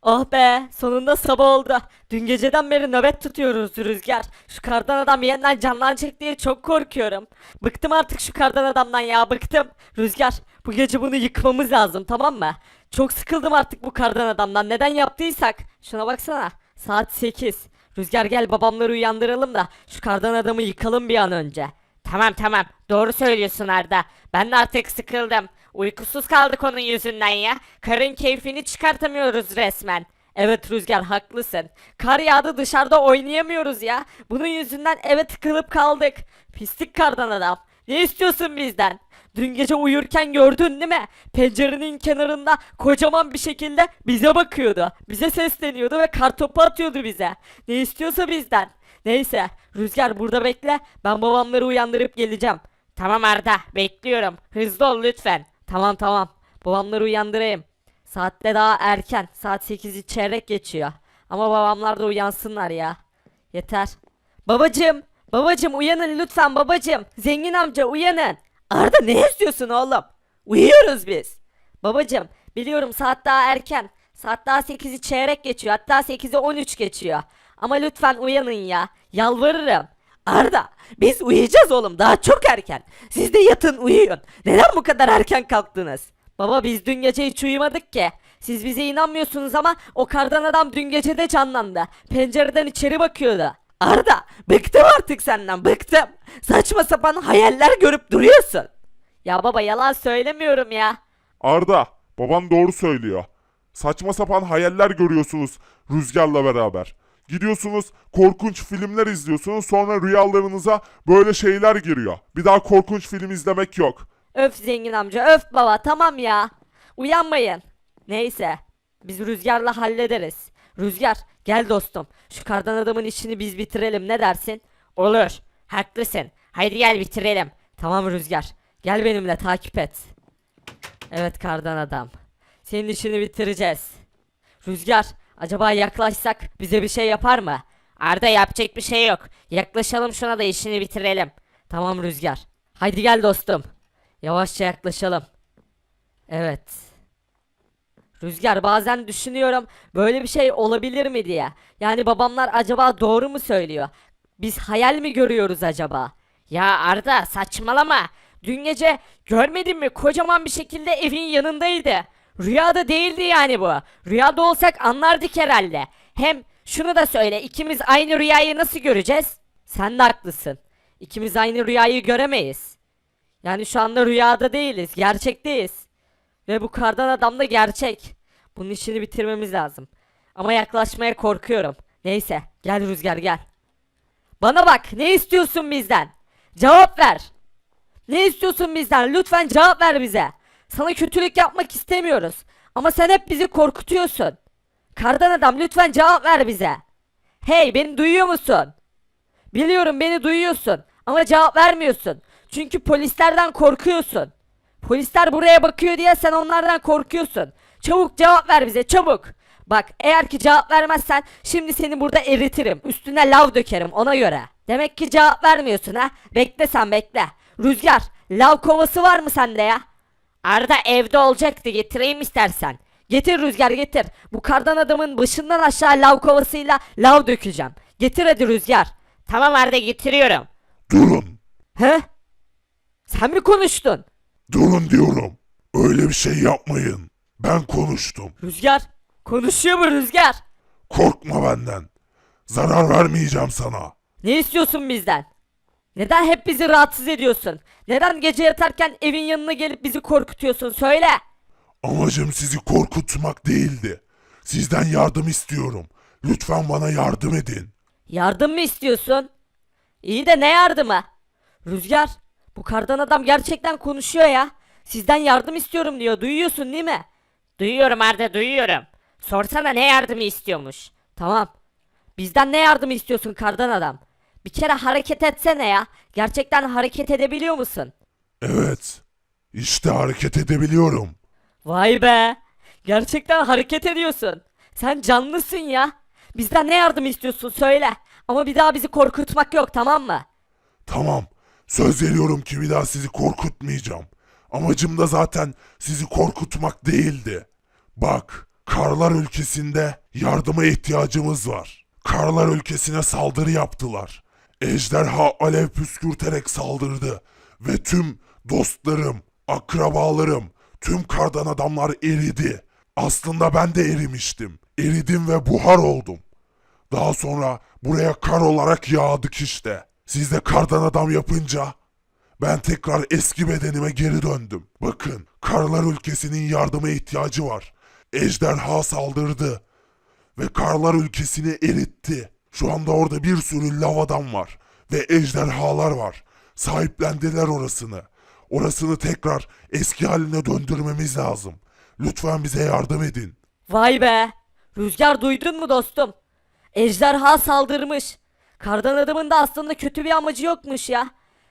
Oh be, sonunda sabah oldu. Dün geceden beri nöbet tutuyoruz Rüzgar. Şu kardan adam yeniden canlanacak diye çok korkuyorum. Bıktım artık şu kardan adamdan ya, bıktım. Rüzgar, bu gece bunu yıkmamız lazım, tamam mı? Çok sıkıldım artık bu kardan adamdan. Neden yaptıysak. Şuna baksana. Saat 8. Rüzgar gel babamları uyandıralım da şu kardan adamı yıkalım bir an önce. Tamam tamam doğru söylüyorsun Arda. Ben de artık sıkıldım. Uykusuz kaldık onun yüzünden ya. Karın keyfini çıkartamıyoruz resmen. Evet Rüzgar, haklısın. Kar yağdı, dışarıda oynayamıyoruz ya. Bunun yüzünden eve tıkılıp kaldık. Pislik kardan adam. Ne istiyorsun bizden? Dün gece uyurken gördün değil mi? Pencerenin kenarında kocaman bir şekilde bize bakıyordu. Bize sesleniyordu ve kartopu atıyordu bize. Ne istiyorsa bizden. Neyse Rüzgar, burada bekle. Ben babamları uyandırıp geleceğim. Tamam Arda bekliyorum. Hızlı ol lütfen. Tamam tamam. Babamları uyandırayım. Saatte daha erken. Saat 8'i çeyrek geçiyor. Ama babamlar da uyansınlar ya. Yeter. Babacım. Babacım uyanın lütfen babacım. Zengin amca uyanın. Arda, ne istiyorsun oğlum? Uyuyoruz biz. Babacım biliyorum saat daha erken. Saat daha 8'i çeyrek geçiyor. Hatta 8'i 13 geçiyor. Ama lütfen uyanın ya. Yalvarırım. Arda, biz uyuyacağız oğlum, daha çok erken. Siz de yatın uyuyun. Neden bu kadar erken kalktınız? Baba, biz dün gece hiç uyumadık ki. Siz bize inanmıyorsunuz ama o kardan adam dün gece de canlandı. Pencereden içeri bakıyordu. Arda, bıktım artık senden, bıktım. Saçma sapan hayaller görüp duruyorsun. Ya baba, yalan söylemiyorum ya. Arda, baban doğru söylüyor. Saçma sapan hayaller görüyorsunuz Rüzgar'la beraber. Gidiyorsunuz korkunç filmler izliyorsunuz, sonra rüyalarınıza böyle şeyler giriyor. Bir daha korkunç film izlemek yok. Öf zengin amca, öf baba, tamam ya. Uyanmayın. Neyse, biz Rüzgar'la hallederiz. Rüzgar, gel dostum. Şu kardan adamın işini biz bitirelim, ne dersin? Olur. Haklısın. Haydi gel bitirelim. Tamam Rüzgar, gel benimle, takip et. Evet kardan adam. Senin işini bitireceğiz. Rüzgar, acaba yaklaşsak bize bir şey yapar mı? Arda yapacak bir şey yok. Yaklaşalım şuna da işini bitirelim. Tamam Rüzgar. Haydi gel dostum. Yavaşça yaklaşalım. Evet. Rüzgar, bazen düşünüyorum böyle bir şey olabilir mi diye. Yani babamlar acaba doğru mu söylüyor? Biz hayal mi görüyoruz acaba? Ya Arda saçmalama. Dün gece görmedin mi? Kocaman bir şekilde evin yanındaydı. Rüyada değildi yani bu. Rüyada olsak anlardık herhalde. Hem şunu da söyle, ikimiz aynı rüyayı nasıl göreceğiz? Sen de haklısın. İkimiz aynı rüyayı göremeyiz. Yani şu anda rüyada değiliz, gerçekteyiz. Ve bu kardan adam da gerçek. Bunun işini bitirmemiz lazım. Ama yaklaşmaya korkuyorum. Neyse, gel Rüzgar gel. Bana bak, ne istiyorsun bizden? Cevap ver. Ne istiyorsun bizden? Lütfen cevap ver bize. Sana kötülük yapmak istemiyoruz. Ama sen hep bizi korkutuyorsun. Kardan adam, lütfen cevap ver bize. Hey, beni duyuyor musun? Biliyorum beni duyuyorsun ama cevap vermiyorsun. Çünkü polislerden korkuyorsun. Polisler buraya bakıyor diye sen onlardan korkuyorsun. Çabuk cevap ver bize, çabuk. Bak, eğer ki cevap vermezsen şimdi seni burada eritirim. Üstüne lav dökerim, ona göre. Demek ki cevap vermiyorsun ha. Bekle sen, bekle. Rüzgar, lav kovası var mı sende ya? Arda evde olacaktı, getireyim istersen. Getir Rüzgar, getir. Bu kardan adamın başından aşağı lav kovasıyla lav dökeceğim. Getir hadi Rüzgar. Tamam Arda getiriyorum. Durun, He? Sen mi konuştun? durun diyorum. Öyle bir şey yapmayın. Ben konuştum. Rüzgar. Konuşuyor mu Rüzgar? Korkma benden. Zarar vermeyeceğim sana. Ne istiyorsun bizden? Neden hep bizi rahatsız ediyorsun? Neden gece yatarken evin yanına gelip bizi korkutuyorsun? Söyle. Amacım sizi korkutmak değildi. Sizden yardım istiyorum. Lütfen bana yardım edin. Yardım mı istiyorsun? İyi de ne yardımı? Rüzgar, bu kardan adam gerçekten konuşuyor ya. Sizden yardım istiyorum diyor. Duyuyorsun değil mi? Duyuyorum Arda duyuyorum. Sorsana ne yardımı istiyormuş. Tamam. Bizden ne yardımı istiyorsun kardan adam? Bir kere hareket etsene ya. Gerçekten hareket edebiliyor musun? Evet. İşte hareket edebiliyorum. Vay be. Gerçekten hareket ediyorsun. Sen canlısın ya. Bizden ne yardım istiyorsun söyle. Ama bir daha bizi korkutmak yok, tamam mı? Tamam. Söz veriyorum ki bir daha sizi korkutmayacağım. Amacım da zaten sizi korkutmak değildi. Bak, Karlar ülkesinde yardıma ihtiyacımız var. Karlar ülkesine saldırı yaptılar. Ejderha alev püskürterek saldırdı ve tüm dostlarım, akrabalarım, tüm kardan adamlar eridi. Aslında ben de erimiştim. Eridim ve buhar oldum. Daha sonra buraya kar olarak yağdık işte. Siz de kardan adam yapınca ben tekrar eski bedenime geri döndüm. Bakın, karlar ülkesinin yardıma ihtiyacı var. Ejderha saldırdı ve karlar ülkesini eritti. Şu anda orada bir sürü lav adam var ve ejderhalar var. Sahiplendiler orasını. Orasını tekrar eski haline döndürmemiz lazım. Lütfen bize yardım edin. Vay be! Rüzgar duydun mu dostum? Ejderha saldırmış. Kardan adamın da aslında kötü bir amacı yokmuş ya.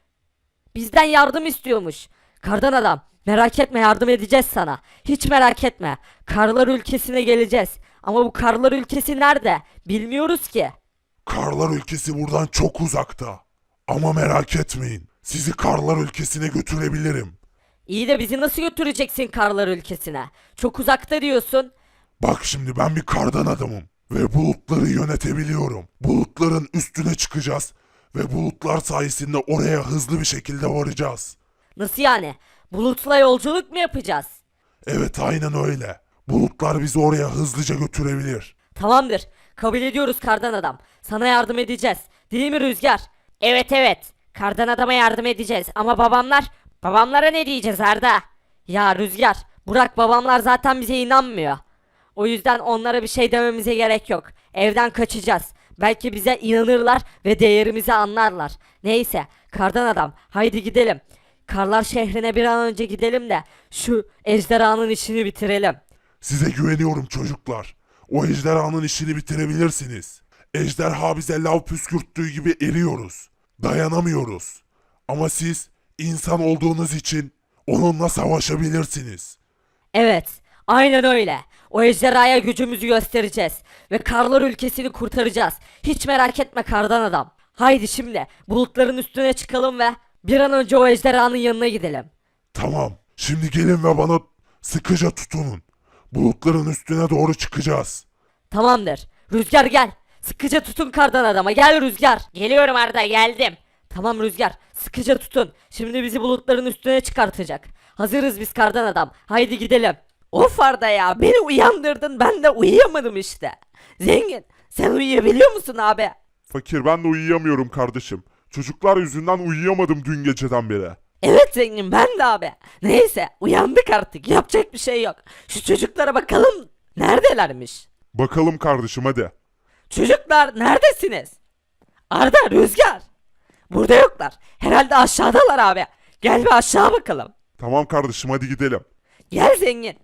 Bizden yardım istiyormuş. Kardan adam, merak etme, yardım edeceğiz sana. Hiç merak etme. Karlar ülkesine geleceğiz. Ama bu karlar ülkesi nerede? Bilmiyoruz ki. Karlar ülkesi buradan çok uzakta. Ama merak etmeyin. Sizi karlar ülkesine götürebilirim. İyi de bizi nasıl götüreceksin karlar ülkesine? Çok uzakta diyorsun. Bak şimdi ben bir kardan adamım ve bulutları yönetebiliyorum. Bulutların üstüne çıkacağız ve bulutlar sayesinde oraya hızlı bir şekilde varacağız. Nasıl yani? Bulutla yolculuk mu yapacağız? Evet, aynen öyle. Bulutlar bizi oraya hızlıca götürebilir. Tamamdır. Kabul ediyoruz kardan adam. Sana yardım edeceğiz. Değil mi Rüzgar? Evet evet. Kardan adama yardım edeceğiz ama babamlara ne diyeceğiz Arda? Ya Rüzgar, Burak, babamlar zaten bize inanmıyor. O yüzden onlara bir şey dememize gerek yok. Evden kaçacağız. Belki bize inanırlar ve değerimizi anlarlar. Neyse, kardan adam, haydi gidelim. Karlar şehrine bir an önce gidelim de şu ejderhanın işini bitirelim. Size güveniyorum çocuklar. O ejderhanın işini bitirebilirsiniz. Ejderha bize lav püskürttüğü gibi eriyoruz. Dayanamıyoruz. Ama siz insan olduğunuz için onunla savaşabilirsiniz. Evet, aynen öyle. O ejderhaya gücümüzü göstereceğiz ve karlar ülkesini kurtaracağız. Hiç merak etme kardan adam. Haydi şimdi bulutların üstüne çıkalım ve bir an önce o ejderhanın yanına gidelim. Tamam. Şimdi gelin ve bana sıkıca tutunun. Bulutların üstüne doğru çıkacağız. Tamamdır. Rüzgar gel. Sıkıca tutun kardan adama. Gel Rüzgar. Geliyorum Arda geldim. Tamam Rüzgar. Sıkıca tutun. Şimdi bizi bulutların üstüne çıkartacak. Hazırız biz kardan adam. Haydi gidelim. Of Arda ya. Beni uyandırdın. Ben de uyuyamadım işte. Zengin. Sen uyuyabiliyor musun abi? Fakir, ben de uyuyamıyorum kardeşim. Çocuklar yüzünden uyuyamadım dün geceden beri. Evet zengin, ben de abi. Neyse, uyandık artık. Yapacak bir şey yok. Şu çocuklara bakalım. Neredelermiş? Bakalım kardeşim, hadi. Çocuklar neredesiniz? Arda, Rüzgar. Burada yoklar. Herhalde aşağıdalar abi. Gel bir aşağı bakalım. Tamam kardeşim, hadi gidelim. Gel zengin.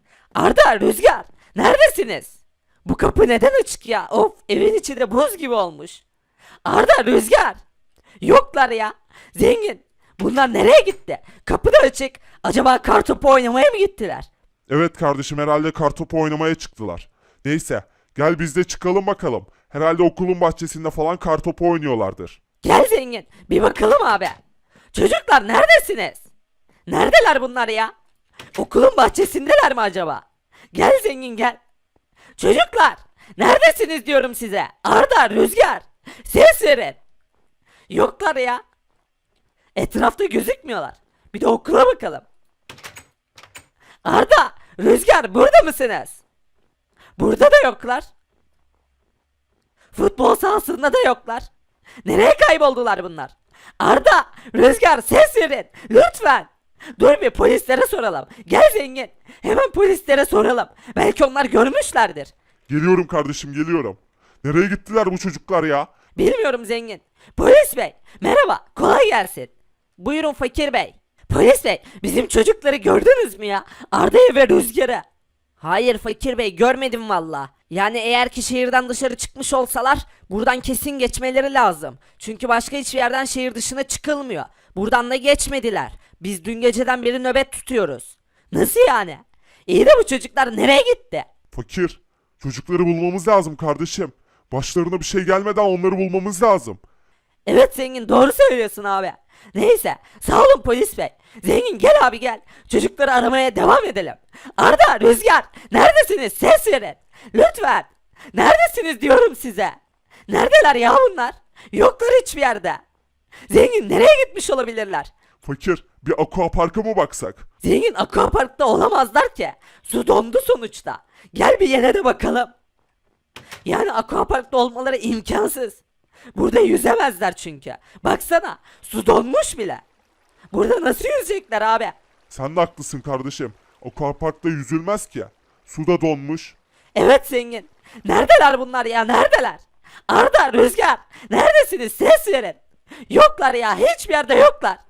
Arda, Rüzgar. Neredesiniz? Bu kapı neden açık ya? Of, evin içi de buz gibi olmuş. Arda, Rüzgar. Yoklar ya. Zengin. Bunlar nereye gitti? Kapı da açık. Acaba kartopu oynamaya mı gittiler? Evet kardeşim, herhalde kartopu oynamaya çıktılar. Neyse, gel biz de çıkalım bakalım. Herhalde okulun bahçesinde falan kartopu oynuyorlardır. Gel zengin. Bir bakalım abi. Çocuklar neredesiniz? Neredeler bunlar ya? Okulun bahçesindeler mi acaba? Gel zengin gel. Çocuklar neredesiniz diyorum size. Arda, Rüzgar. Ses verin. Yoklar ya. Etrafta gözükmüyorlar. Bir de okula bakalım. Arda, Rüzgar burada mısınız? Burada da yoklar. Futbol sahasında da yoklar. Nereye kayboldular bunlar? Arda, Rüzgar ses verin. Lütfen. Dur bir polislere soralım. Gel zengin. Hemen polislere soralım. Belki onlar görmüşlerdir. Geliyorum kardeşim, geliyorum. Nereye gittiler bu çocuklar ya? Bilmiyorum zengin. Polis bey, merhaba. Kolay gelsin. Buyurun fakir bey. Polis bey, bizim çocukları gördünüz mü ya? Arda'yı ve Rüzgar'ı. Hayır fakir bey, görmedim valla. Yani eğer ki şehirden dışarı çıkmış olsalar buradan kesin geçmeleri lazım. Çünkü başka hiçbir yerden şehir dışına çıkılmıyor. Buradan da geçmediler. Biz dün geceden beri nöbet tutuyoruz. Nasıl yani? İyi de bu çocuklar nereye gitti? Fakir, çocukları bulmamız lazım kardeşim. Başlarına bir şey gelmeden onları bulmamız lazım. Evet zengin, doğru söylüyorsun abi. Neyse sağ olun polis bey. Zengin gel abi gel. Çocukları aramaya devam edelim. Arda, Rüzgar neredesiniz? Ses verin. Lütfen. Neredesiniz diyorum size. Neredeler ya bunlar? Yoklar hiçbir yerde. Zengin nereye gitmiş olabilirler? Fakir, bir aquaparka mı baksak? Zengin aquaparkta olamazlar ki. Su dondu sonuçta. Gel bir yere de bakalım. Yani aquaparkta olmaları imkansız. Burada yüzemezler çünkü. Baksana su donmuş bile. Burada nasıl yüzecekler abi? Sen de haklısın kardeşim. Aquaparkta yüzülmez ki. Suda donmuş. Evet zengin. Neredeler bunlar ya neredeler? Arda, Rüzgar neredesiniz ses verin. Yoklar ya hiçbir yerde yoklar.